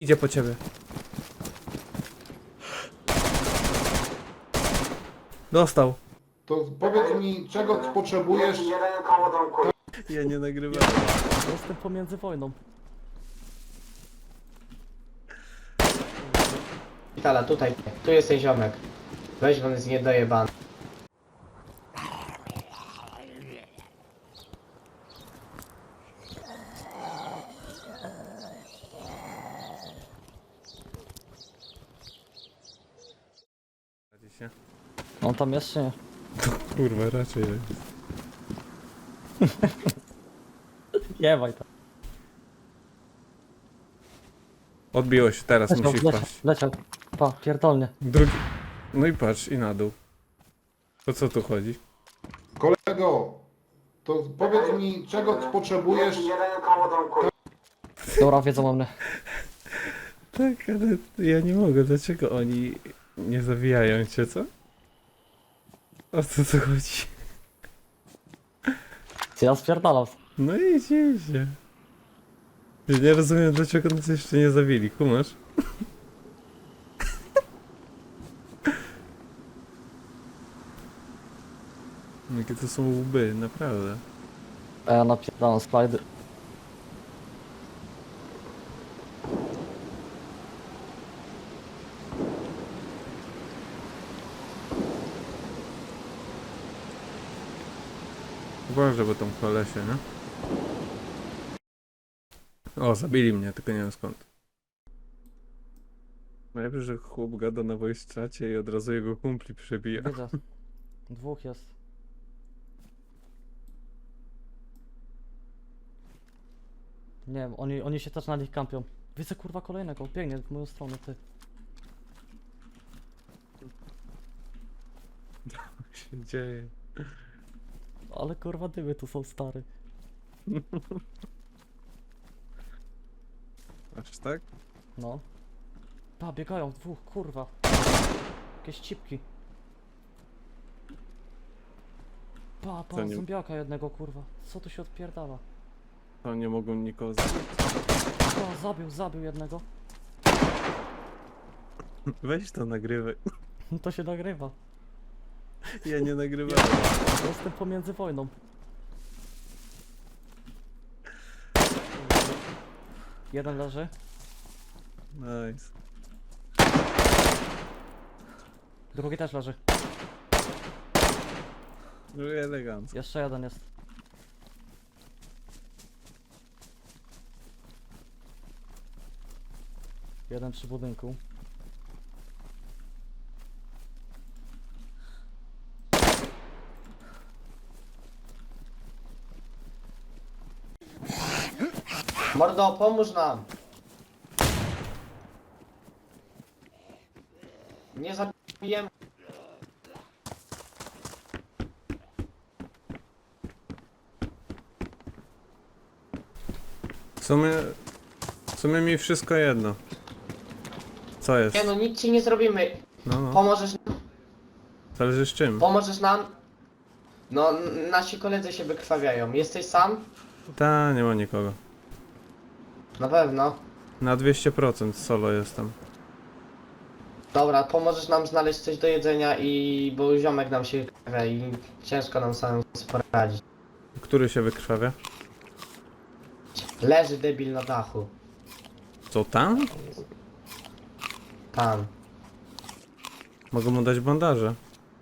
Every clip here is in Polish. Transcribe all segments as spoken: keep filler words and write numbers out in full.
Idzie po ciebie. Dostał. To powiedz mi, czego potrzebujesz? Ja nie nagrywam. Jestem pomiędzy wojną. Tala, tutaj, tu jesteś ziomek. Weź, on jest niedojebany. się. On tam jeszcze nie. Kurwa, raczej jest. Jewaj tam. Odbiło się, teraz Leciał, musi leciał, wpaść. leciał. Pa, pierdolnie. Drugi. No i patrz, i na dół. O co tu chodzi? Kolego, to powiedz mi, czego potrzebujesz? Dobra, wiedzą o mnie. Tak, ale ja nie mogę. Dlaczego oni nie zawijają cię, co? O co tu chodzi? Ty ja spierdalam. No idzie, idzie. Ja nie rozumiem, dlaczego nas jeszcze nie zawili, kumasz? Jakie to są łby, naprawdę. A ja napierdalam slajdy. Uważaj, bo tam kolesie, nie? O, zabili mnie, tylko nie wiem skąd. Najlepsze, że chłop gada na voice czacie i od razu jego kumpli przebija. Widzę. Dwóch jest. Nie wiem, oni, oni się też na nich kampią. Widzę kurwa kolejnego, biegnie w moją stronę, ty. Co się dzieje? Ale kurwa dymy tu są stary. Aż tak? No. Pa, biegają dwóch, kurwa. Jakieś cipki. Pa, To pa, nie- zombiaka jednego, kurwa. Co tu się odpierdala? To nie mogą nikogo zabić. Pa, zabił, zabił jednego. Weź to nagrywaj. To się nagrywa. Ja nie nagrywam. Jestem pomiędzy wojną. Jeden leży. Nice. Drugi też leży. No i elegancko. Jeszcze jeden jest. Jeden przy budynku. Mordo, pomóż nam! Nie zabijemy. W sumie... W sumie mi wszystko jedno. Co jest? Nie no, nic ci nie zrobimy. No, no. Pomożesz nam? Zależy z czym. Pomożesz nam? No, n- nasi koledzy się wykrwawiają. Jesteś sam? Ta, nie ma nikogo. Na pewno. Na dwieście procent solo jestem. Dobra, pomożesz nam znaleźć coś do jedzenia i... bo ziomek nam się wykrwawia i ciężko nam samym sobie poradzić. Który się wykrwawia? Leży debil na dachu. Co tam? Tam. Mogę mu dać bandaże.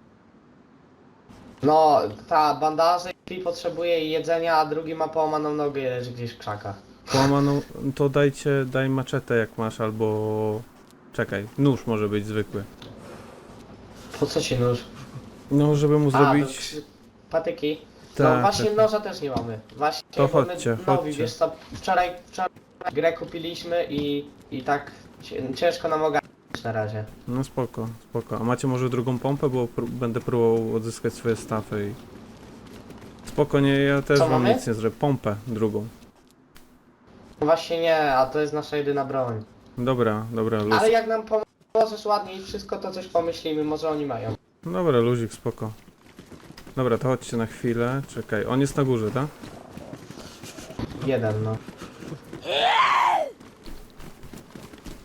No, ta bandaże i potrzebuje jedzenia, a drugi ma połamaną nogę i leży gdzieś w krzakach. Połamaną, to dajcie, daj maczetę jak masz, albo... Czekaj, nóż może być zwykły. Po co ci nóż? No, żeby mu A, zrobić... to krzy- patyki. Tak, no właśnie tak. noża też nie mamy. Właśnie To bo my chodźcie, nowi, chodźcie. wiesz co, wczoraj, wczoraj grę kupiliśmy i, i tak cię- ciężko nam ogarnąć na razie. No spoko, spoko. A macie może drugą pompę, bo pró będę próbował odzyskać swoje stafy i... Spoko, nie, ja też Co wam mamy? nic nie zrobię. Pompę drugą. No właśnie nie, a to jest nasza jedyna broń. Dobra, dobra, luz. Ale jak nam pomożesz ładnie i wszystko, to coś pomyślimy, może oni mają. Dobra, luzik, spoko. Dobra, to chodźcie na chwilę. Czekaj, on jest na górze, tak? Jeden, no.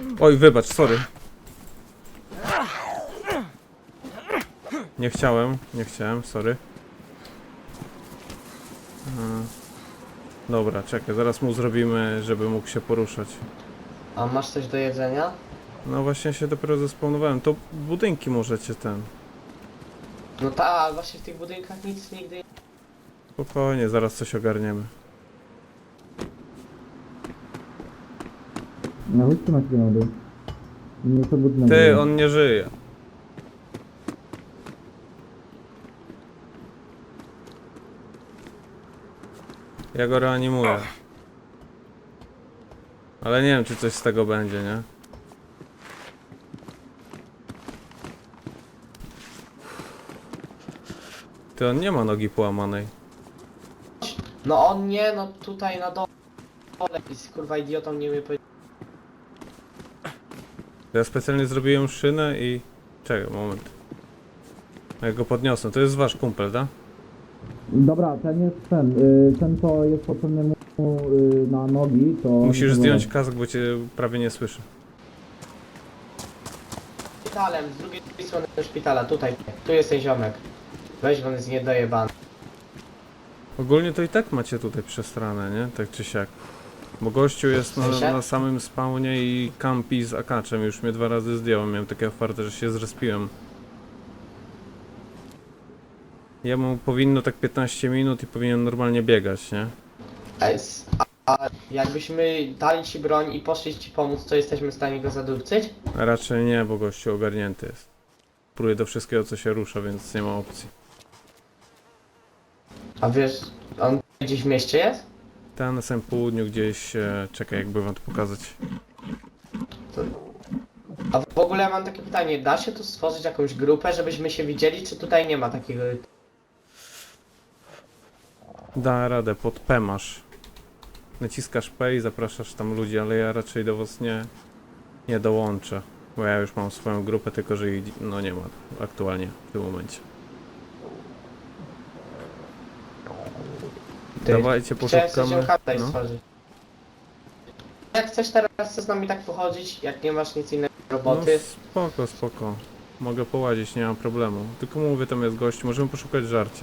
Oj, wybacz, sorry. Nie chciałem, nie chciałem, sorry. Hmm. Dobra, czekaj, zaraz mu zrobimy, żeby mógł się poruszać. A masz coś do jedzenia? No właśnie się dopiero zespawnowałem. To budynki możecie ten. No tak, ale właśnie w tych budynkach nic nigdy nie... Spokojnie, zaraz coś ogarniemy. Na łódce masz grenady. Nie to budynek. Ty, on nie żyje. Ja go reanimuję. Ale nie wiem, czy coś z tego będzie, nie? Ty, on nie ma nogi połamanej. No on nie, no tutaj na dole. Jest kurwa idiotą, nie umie powiedzieć. Ja specjalnie zrobiłem szynę i... Czekaj, moment. Jak go podniosę, to jest wasz kumpel, tak? Dobra, ten jest ten. Y, ten co jest potrzebny mu y, na nogi, to... Musisz to zdjąć kask, bo cię prawie nie słyszę. Szpitalem, z drugiej strony szpitala, tutaj. Tu jest ten ziomek. Weź, on jest niedojebany. Ogólnie to i tak macie tutaj przestranę, nie? Tak czy siak. Bo gościu jest na, sensie? na samym spawnie i kampi z akaczem. Już mnie dwa razy zdjąłem. Miałem takie otwarte, że się zrespiłem. Jemu powinno tak piętnaście minut i powinien normalnie biegać, nie? Ej, s- A, a jakbyśmy dali ci broń i poszli ci pomóc, to jesteśmy w stanie go zadupcyć? A raczej nie, bo gościu ogarnięty jest. Pruje do wszystkiego, co się rusza, więc nie ma opcji. A wiesz, on gdzieś w mieście jest? Tam na samym południu gdzieś... E, czekaj, jakby wam to pokazać. A w ogóle mam takie pytanie, da się tu stworzyć jakąś grupę, żebyśmy się widzieli, czy tutaj nie ma takiego... Da radę, pod P masz. Naciskasz P i zapraszasz tam ludzi, ale ja raczej do was nie, nie dołączę. Bo ja już mam swoją grupę, tylko że ich no nie ma aktualnie w tym momencie. Ty, Dawajcie, Chciałem sobie poszukamy. ziomka tutaj No. stworzyć. Jak chcesz teraz z nami tak pochodzić, jak nie masz nic innego do no roboty, spoko, spoko. Mogę połazić, nie mam problemu. Tylko mówię, tam jest gość, możemy poszukać żarcia.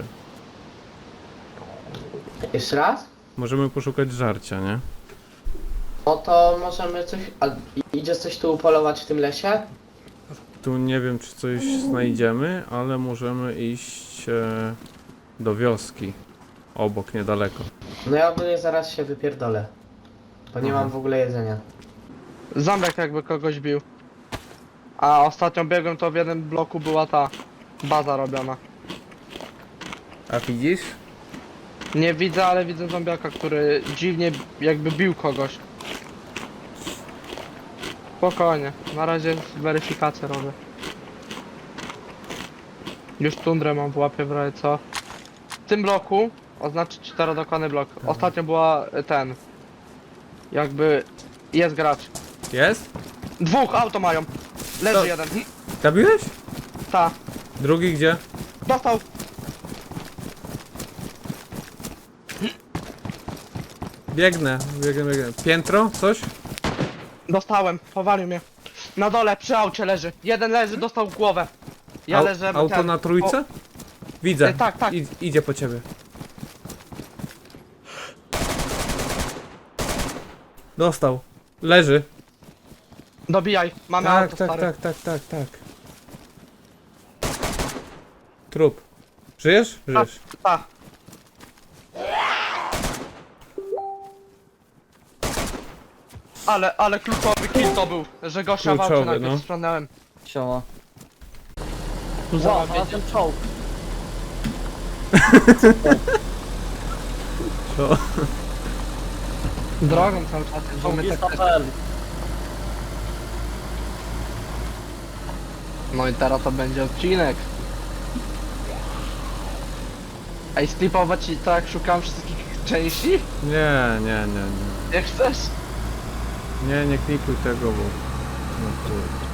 jeszcze raz? Możemy poszukać żarcia, nie? No to możemy coś... A i- idzie coś tu upolować w tym lesie? Tu nie wiem, czy coś znajdziemy, ale możemy iść e, do wioski. Obok, niedaleko. No ja ogólnie zaraz się wypierdolę. Bo nie Aha. mam w ogóle jedzenia. Zombiak jakby kogoś bił. A ostatnio biegłem, to w jednym bloku była ta baza robiona. A widzisz? Nie widzę, ale widzę zombiaka, który dziwnie jakby bił kogoś. Spokojnie, na razie weryfikację robię. Już tundrę mam w łapie w razie co. W tym bloku, oznaczyć czterodokładny blok. Ostatnio była y, ten. Jakby jest gracz. Jest? Dwóch auto mają. Leży To- jeden. Zabiłeś? Ta. Drugi gdzie? Dostał. Biegnę, biegnę, biegnę. Piętro? Coś? Dostałem, powalił mnie. Na dole, przy aucie leży. Jeden leży, dostał w głowę. Ja Au- leżę. Auto ten- na trójce? Widzę. E, tak, tak. I, idzie po ciebie. Dostał. Leży. O, dobijaj, mamy Tak, auto tak, stary. tak, tak, tak, tak. Trup. Żyjesz? Żyjesz. Tak. Ale, ale kluczowy kill to był, że gościa w aucie Kluczowy, najpierw no. sprzątnąłem. Siema. Tu Wow, zaraz a ten czołg. To. drogą cały czas, że Czołg my jest tak... na P L. No i teraz to będzie odcinek. Ej, sklipować ci tak, szukam wszystkich części? Nie, nie, nie, nie. Jak chcesz? Nie, nie klikuj tego, bo... No kurde.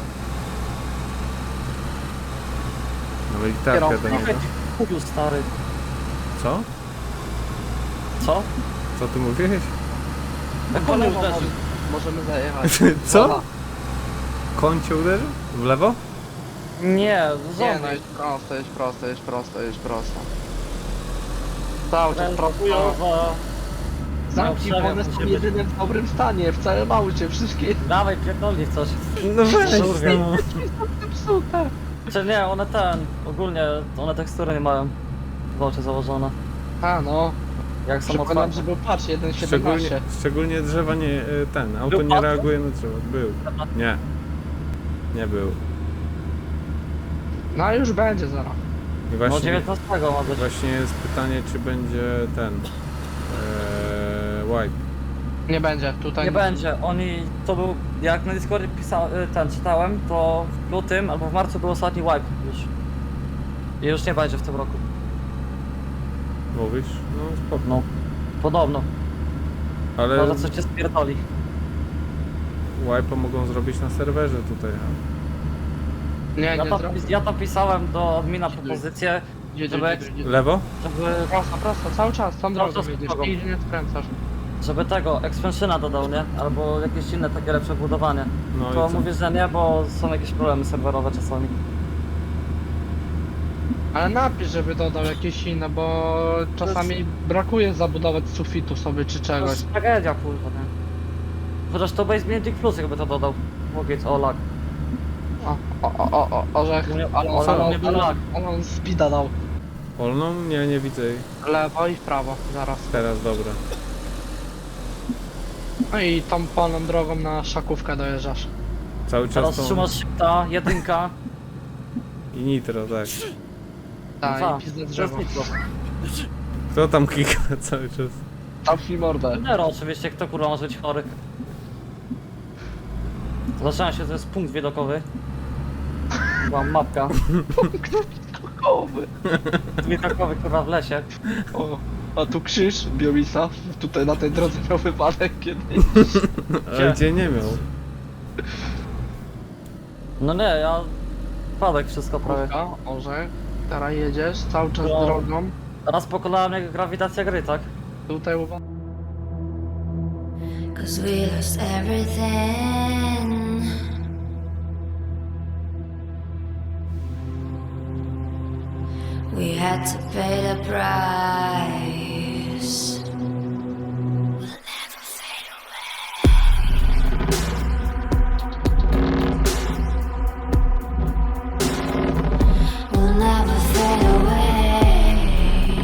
No i tak Kierowca. do niego. Kupił stary. Co? Co? Co ty mówiłeś? Jak Po on lewo uderzył? może- możemy zajechać. Co? Woda. kącie uderzy? W lewo? Nie, Nie, zombie. no jest prosto, jest prosto, jest prosto, jest prosto. Cały czas prosto. Chujowa. Zamki, No, bo one są musimy- jedyne w dobrym stanie, w całym aucie, wszystkie Dawaj, pierdolnij w coś. No weź, Kurwa. no. psute. Czy nie, one ten, ogólnie, one tekstury nie mają w oczy założone. A no, Jak są przekonam, otwarte. że był patch jeden Szczególnie, siedemnaście. szczególnie drzewa nie, y, ten, auto Był nie pas? reaguje na drzewa. Był. Nie. Nie był. No już będzie zaraz. I No właśnie, dziewiętnastego ma być. właśnie jest pytanie, czy będzie ten... Ee, wipe. Nie będzie, tutaj Nie będzie, oni, to był, jak na Discordzie pisa, ten czytałem, to w lutym albo w marcu był ostatni wipe już. I już nie będzie w tym roku. Mówisz? No spoko. No, podobno. Ale Może coś cię spierdoli. wipe'a mogą zrobić na serwerze tutaj. A? Nie, Ja nie tam, zrobię. ja tam pisałem do admina propozycję, Jedzie, żeby- jedzie, jedzie. Lewo? żeby, Prosto, prosto, cały czas, tą drogą czas jedziesz drogą. i nie skręcasz. żeby tego expansiona dodał, nie? Albo jakieś inne takie lepsze budowanie. No To i co? mówię, że nie, bo są jakieś problemy serwerowe czasami. Ale napisz, żeby dodał jakieś inne, bo czasami brakuje zabudować sufitu sobie czy To czegoś. jest tragedia, kurwa, nie? Chociaż to Base Magic Plus jakby to dodał. Mogę o lag. O, o, o, o, o, orzech, U mnie- ale u on, ale, mnie był ale, lag. ale on speeda dał. Wolną? Nie, nie widzę jej. Lewo i w prawo, zaraz. Teraz dobra. No i tą polną drogą na szakówkę dojeżdżasz. Cały czas Teraz tą... trzymasz ta jedynka. I nitro, tak. Tak, No i pizdę to jest drzewo. nitro. Kto tam klika cały czas? Zamknij mordę. Nero oczywiście, kto kurwa może być chory. Zaczyna się, to jest punkt widokowy. Była mapka. Kowy. Widokowy kurwa w lesie. O, a tu krzyż Biomisa. Tutaj na tej drodze miał wypadek kiedyś. Ale gdzie nie miał? No nie, ja... Padek wszystko prawie. Kówka, orzech. Teraz jedziesz cały czas No. drogą. Teraz pokonałem jak grawitacja gry, tak? Tutaj uwaga. Cause we lost everything. We had to pay the price. We'll never fade away. We'll never fade away.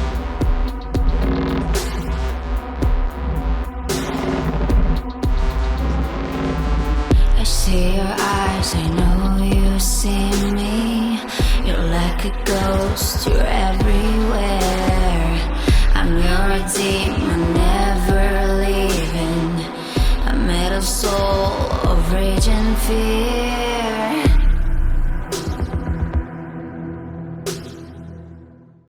I see your eyes, I know you see me. You're like a ghost, you're everywhere. I'm your demon, never leaving. I made a soul of rage and fear.